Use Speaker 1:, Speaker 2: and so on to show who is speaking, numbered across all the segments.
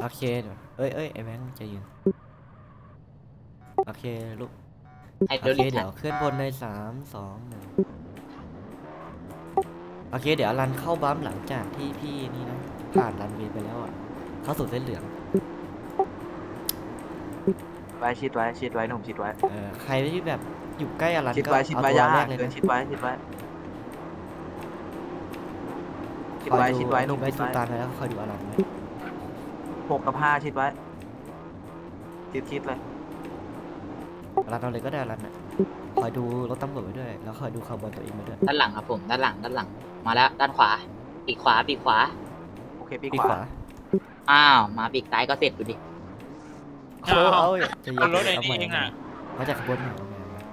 Speaker 1: โอเคเดี๋ยวไอ้แบงค์ใจเย็นโอเคลูก
Speaker 2: ไอ้
Speaker 1: โอ
Speaker 2: เดี๋ยว
Speaker 1: เค
Speaker 2: รีบ
Speaker 1: เดี๋ยวเคลื่อนบนใน3 2 1โอเคเดี๋ยวรันเข้าบัมหลังจากที่พี่นี่นะผ่านรันเวย์ไปแล้วอ่ะเข้าสู่เส้นเหลือง
Speaker 3: ไว้ชิดไว้ชิดไว้หนุ่มชิดไว้
Speaker 1: ใครที่แบบอยู่ใกล้อลัน
Speaker 3: ชิด
Speaker 1: ก็
Speaker 3: ไว้ชิด
Speaker 1: เอา
Speaker 3: ไว้
Speaker 1: ตัว
Speaker 3: อย่า
Speaker 1: แร
Speaker 3: ห่าก ง
Speaker 1: เลย
Speaker 3: เกิน
Speaker 1: นะ
Speaker 3: ชิดไว้ชิดไว้ชิด
Speaker 1: คอย
Speaker 3: ไว้
Speaker 1: ดู
Speaker 3: ชิดไว้หนุ่ม
Speaker 1: ไว้
Speaker 3: ชิด
Speaker 1: สุ
Speaker 3: ไว้
Speaker 1: ตานไปแล้วคอยดูอลันไว้
Speaker 3: 6 กับ 5ชิดไว้ชิดเลย
Speaker 1: อลันเอาเลยก็ได้อลันอ่ะคอยดูรถตำรวจไว้ด้วยแล้วคอยดูขบวนตัวเองไว้ด้วย
Speaker 2: ด้านหลังครับผมด้านหลังมาแล้วด้านขวาปีกขวา
Speaker 3: โอเคปี
Speaker 1: ปี
Speaker 3: ข
Speaker 1: ข
Speaker 3: วาว
Speaker 1: า
Speaker 2: อ้าวมาปีกซ้ายก็เสร็จดูดิ
Speaker 1: เอาจะยิง
Speaker 4: รถไอ้
Speaker 1: เอาใหม่
Speaker 4: นี่เองอ่ะ
Speaker 1: มาจากขบวนหนึ่ง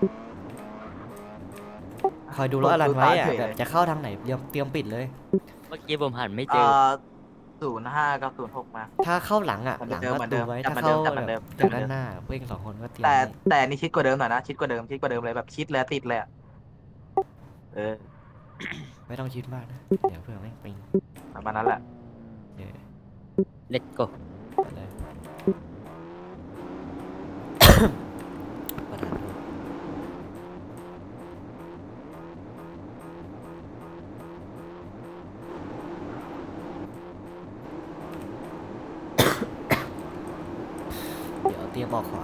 Speaker 1: คอยดูรถอลันไว้อ่ะแบบจะเข้าทางไหนเตรียมปิดเลย
Speaker 5: เมื่อกี้ผมหันไม่เจอ
Speaker 3: 05 กับ 06 มา
Speaker 1: ถ้าเข้าหลังอ่ะ
Speaker 3: เหมื
Speaker 1: หลั
Speaker 3: อง นเดิม
Speaker 1: ประตูไว้
Speaker 3: เหมือน
Speaker 1: ถ้า
Speaker 3: เดิ
Speaker 1: เข้าม
Speaker 3: เหมือนเดิม
Speaker 1: จากด้านหน้าเพื่อน2 คนก็เตรียม
Speaker 3: แต่
Speaker 1: ไว้
Speaker 3: แต่นี่ชิดกว่าเดิมหน่อยนะชิดกว่าเดิมเลยแบบชิดแล้วติดเลยอะเออ
Speaker 1: ไม่ต้องคิดมากนะเดี๋ยวเพื่อนไม่งปิง
Speaker 3: ประมาณนั้นแหละ
Speaker 1: เดี๋ยว
Speaker 5: let's go
Speaker 1: ไปเลย ประธานโทษเดี๋ยวเตรียมออกขวา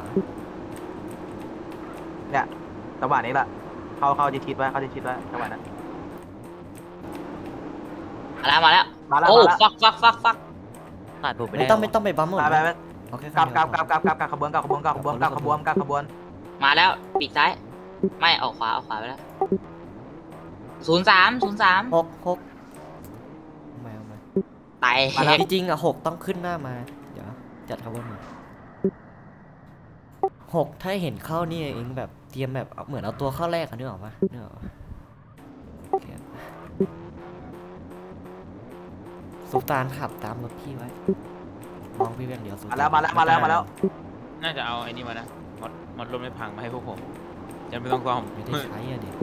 Speaker 3: เนี่ยจังหวะนี้แหละเข้าชิดไว้เข้าชิดไว้จังหวะนั้น
Speaker 2: มาแล้ว
Speaker 3: มาแล้ว
Speaker 2: โอ้
Speaker 3: มาแล้ว
Speaker 2: ฟัก
Speaker 5: ผ่านผมไป
Speaker 1: ไม่
Speaker 5: ได้
Speaker 1: ต้องไปบัมหมด
Speaker 3: ไป
Speaker 1: นะเอาแค่
Speaker 3: กลับ
Speaker 1: คันเดียวพอ
Speaker 3: กลับขบวน
Speaker 2: มาแล้วปีกซ้ายไม่ออกขวาไปแล้ว03
Speaker 1: หกเอามา
Speaker 2: ไต่
Speaker 1: จริงๆอ่ะ6ต้องขึ้นหน้ามา เดี๋ยวจัดขบวนมา6ถ้าเห็นเข้านี่เองแบบเตรียมแบบเหมือนเอาตัวเข้าแรกอะนึกออกปะนึกออกปะโอเคสุลต่านขับตามรถพี่ไว้มองพี่เพียงเดียวสุลต่าน
Speaker 3: มาแล้ว
Speaker 4: น่าจะเอาไอ้นี่มานะมดลมไม่พังมาให้พวกผมจะไม่ต้องซ่อม
Speaker 1: ไม่ได้ใช้อะดิ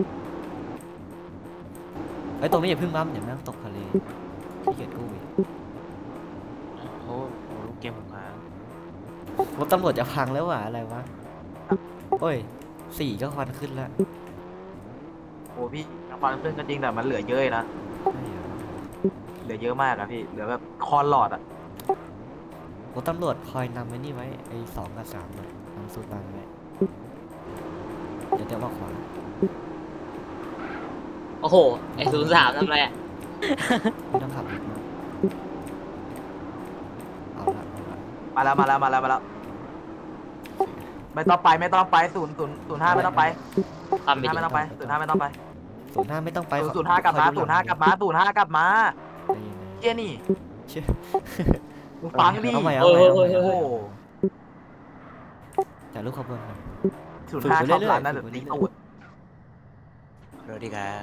Speaker 1: ไอ้ยตรงนี้อย่าเพึ่งบัมเดี๋ยวแม่งตกทะเลพี่เกียจกู้อีก
Speaker 4: โอ้โหลูกเกมผมค้าง
Speaker 1: รถตำรวจจะพังแล้วว่ะอะไรวะโอ้ย4ก็ควันขึ้นแล้ว
Speaker 3: โอ้พี่ความเพื่อนก็จริงแต่มันเหลือเยอะนะ
Speaker 1: ใช่เหรอ
Speaker 3: เหลือเยอะมากอะพี่เหลือแบบคอนหลอดอะ
Speaker 1: รถตำรวจคอยนำไว้นี่ไว้ไอ้2 กับ 3เลยนำสุลต่านไว้เดี๋ยวมาขวา
Speaker 2: โอ้โหไอ้03ทำไรอ่ะ
Speaker 1: ไม่ต้องขับรถมาเอาละ
Speaker 3: มาแล้วไม่ต้องไป005ไม่ต้องไป
Speaker 2: ความเป็น
Speaker 3: 05ไม่ต้องไป
Speaker 1: 05ไม่ต้องไป
Speaker 3: 05กลับมา05กลับมา
Speaker 1: ใจเย็น
Speaker 3: เชี่ยนี่
Speaker 1: ๆเชื่อ
Speaker 3: มึงฟังดิ
Speaker 1: เอาใหม่
Speaker 2: โอ้ย
Speaker 3: โอ้โห
Speaker 1: แต่ลูกขบวนหน่อย
Speaker 3: 05ชอบร้านนั่นตีตูด
Speaker 4: สวัสดีครับ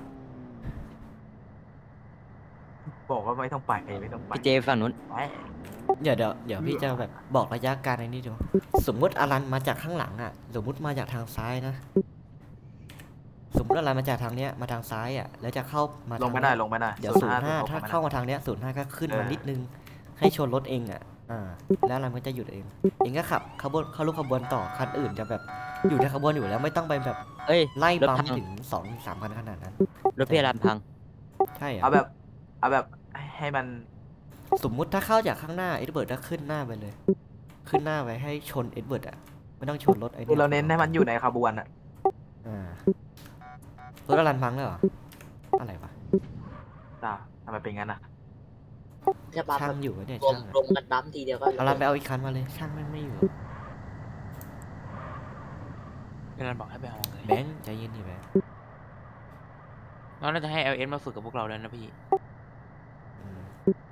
Speaker 3: บอกว่าไม่ต้องไปไม่ต้องไป
Speaker 5: พี่เจฝั่งนู้น
Speaker 3: ไป
Speaker 1: เดี๋ยวพี่จะแบบบอกระยะการในนี้ดูสมมติอลันมาจากข้างหลังอ่ะสมมติมาจากทางซ้ายนะสมมติอลันมาจากทางเนี้ยมาทางซ้ายอ่ะแล้วจะเข้ามา
Speaker 3: ลงไม่ได้ลงไม่ได้
Speaker 1: เดี๋ยว05ถ้าเข้ามาทางเนี้ย05ก็ขึ้นมานิดนึงให้ชนรถเองอ่ะแล้วอลันก็จะหยุดเองก็ขับขบวนเข้าลูกขบวนต่อคันอื่นจะแบบอยู่ในขบวนอยู่แล้วไม่ต้องไปแบบ
Speaker 5: เอ้ย
Speaker 1: ไล่
Speaker 5: รถ
Speaker 1: ปั๊ม
Speaker 5: พัง
Speaker 1: ถึง2-3 คันขนาดนั้น
Speaker 5: รถพี่อารามพัง
Speaker 1: ใช่เหร
Speaker 3: เอา
Speaker 1: อ่ะ
Speaker 3: แบบให้มัน
Speaker 1: สมมุติถ้าเข้าจากข้างหน้าเอ็ดเบิร์ดก็ขึ้นหน้าไปเลย ขึ้นหน้าไว้ให้ชนเอ็ดเบิร์ดอ่ะไม่ต้องชนรถไอ้
Speaker 3: คือเราเน้นให้มันอยู่ในขบวนอะ
Speaker 1: รถอลันพังแล้วเหรออะไรวะ
Speaker 3: จ้าทำไมเป็นงั้นอะ
Speaker 2: จะปั๊ม
Speaker 1: ช่างอยู่วะเนี่ย
Speaker 2: รวม
Speaker 1: ช่างอะ
Speaker 2: รวมกันปั๊มทีเดียวก็
Speaker 1: อลันไปเอาอีกคันมาเลยช่างไม่อยู่
Speaker 4: พี่รันบอกให้ไปเอาเลย
Speaker 1: แบงค์ใจเย็นดิแบงค์
Speaker 4: เราน่าจะให้ LS มาฝึกกับพวกเราแล้วนะพี่
Speaker 1: อืม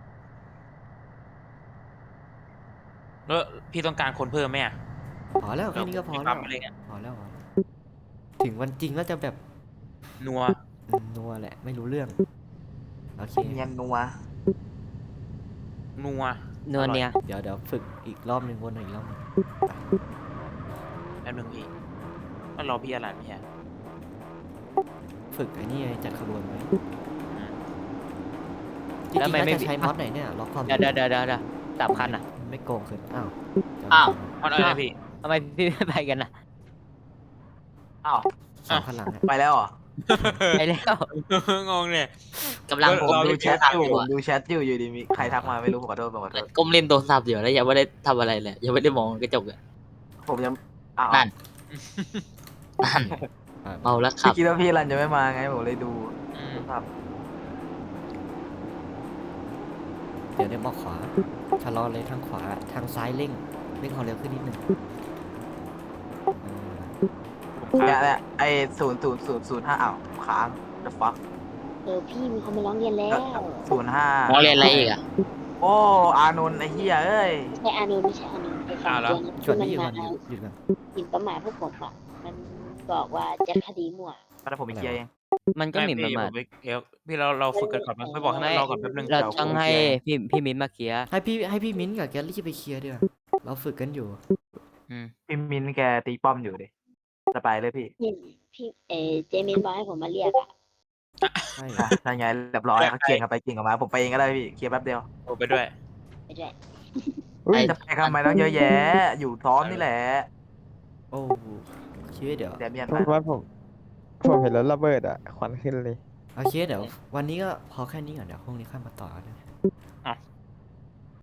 Speaker 4: แล้วพี่ต้องการคนเพิ่มไหมอ่ะ
Speaker 1: พอแล้วแค่นี้ก็พอ
Speaker 4: มี
Speaker 1: แล้
Speaker 4: ปั๊
Speaker 1: ว
Speaker 4: มอะไรเนี่ย
Speaker 1: พอแล้วถึงวันจริงแล้วจะแบบ
Speaker 4: นัว
Speaker 1: นัวแหละไม่รู้เรื่องโอเค
Speaker 3: เนียนนัว
Speaker 4: นัว
Speaker 5: เนินเนี่ย
Speaker 1: เดี๋ยวฝึกอีกรอบหนึ่งวนอีกรอบหนึ่ง
Speaker 4: แป๊บนึงพี่ต้องรอพี่อารันพี่ฮะ
Speaker 1: ฝึกไอ้นี่ไงจัดขบวนไว้
Speaker 4: อืม
Speaker 1: จริงๆ
Speaker 5: แล้วทำไม
Speaker 1: แล้ว
Speaker 5: ไม่
Speaker 1: จะใช้มอดไหนเนี่ยล็อกความ
Speaker 5: เดี๋ยว3 คันอ่ะ
Speaker 1: มไม่โกงขึ้นอ้าว
Speaker 2: อ้าว
Speaker 4: มอสเอาไงพี่
Speaker 5: ทำไมพี่ไม่ไปกันนะ
Speaker 3: อ้าว
Speaker 1: สองข้างหลังอะ
Speaker 3: ไปแล้วเหรอ
Speaker 5: ไปแล้ว
Speaker 4: งงเนี่ย
Speaker 2: กำลัง
Speaker 3: ผม
Speaker 2: ผม
Speaker 3: ดู
Speaker 2: เล่น
Speaker 3: แช
Speaker 2: โทร
Speaker 3: ท
Speaker 2: ศัพ
Speaker 3: อ
Speaker 2: ท์อยู่ ยู่
Speaker 3: ผม
Speaker 2: อะ
Speaker 3: ดูแชทอยู่ดีมีใครทักมาไม่รู้ผมขอโทษผมขอโทษ
Speaker 2: ก้มเล่นโทรศัพท์อยู่แล้วยังไม่ได้ทำอะไรเลยยังไม่ได้มองกระจกเลย
Speaker 3: ผมยังอ้าว
Speaker 2: นั่น นั่น
Speaker 1: อ่ะ
Speaker 2: เมาแล้วขั
Speaker 3: พี่
Speaker 2: บ
Speaker 3: คิดว่าพี่รันจะไม่มาไงผมเลยดู
Speaker 4: อืม
Speaker 3: ครับ
Speaker 1: เดี๋ยวบอกขวาชะลอเลยทางขวาทางซ้ายเร่งความเร็วขึ้นนิดนึง
Speaker 3: เนี่ยไอ้00005อ้าวค้าง the fuck
Speaker 6: พี่มีคนมาร้องเรียนแล้ว
Speaker 3: 05
Speaker 2: มองเรียนอะไรอีกอ่ะ
Speaker 3: โอ้อานนท์ไอ้เหี้ยเอ้ย
Speaker 6: ไม่ใช่อานุไม่ใช่อานุไอ้สองตัวนั้น
Speaker 1: ชวน
Speaker 6: ที่
Speaker 1: พี่
Speaker 6: มัน
Speaker 1: ก่อน
Speaker 6: มา
Speaker 1: หยุดก่อน
Speaker 6: หมิ่นประมาทพวกผมอ่ะ มันบอกว่าจะคดีมั่ว
Speaker 3: แล้วผมไปเคลียร์เอง
Speaker 5: มันก็หมิ่นประมาท
Speaker 4: ไพี่เดี๋ยวพี่เราฝึกกันก่อนไหมไม่บอกให้มันรอก่อนแป๊บนึง
Speaker 5: เราต้องให้พี่มิ้นมาเคลียร์
Speaker 1: ให้พี่มิ้นท์กับแกลลี่ไปเคลียร์ดีกว่าเราฝึกกันอยู่
Speaker 5: อืม
Speaker 3: พี่มินแกตีป้อมอยู่ดิจะไปเลยพี่
Speaker 6: พี่เจมินบอกให้ผมมาเรียกอ่ะ
Speaker 1: ใช่
Speaker 3: อ่ะถ้าไงเรียบร้อยเขาเก่งกันไปเก่งกันมาผมไปเองก็ได้พี่เคลียร์แป๊บเดียว
Speaker 4: โอ้ไปด้วย
Speaker 6: ไปด้วย
Speaker 2: ไอ้
Speaker 3: จะไปทำไมต้องเยอะแยะ อยู่ซ้อมนี่แหละ
Speaker 1: โอ้คิดว่าเดี๋ยว
Speaker 3: เดเมียน
Speaker 7: เพราะว่าผมเห็นรถระเบิดอ่ะ ควันขึ้นเลย
Speaker 1: โอเคเดี๋ยววันนี้ก็พอแค่นี้ก่อนเดี๋ยวพรุ่งนี้ค่อยมาต่อกันนะ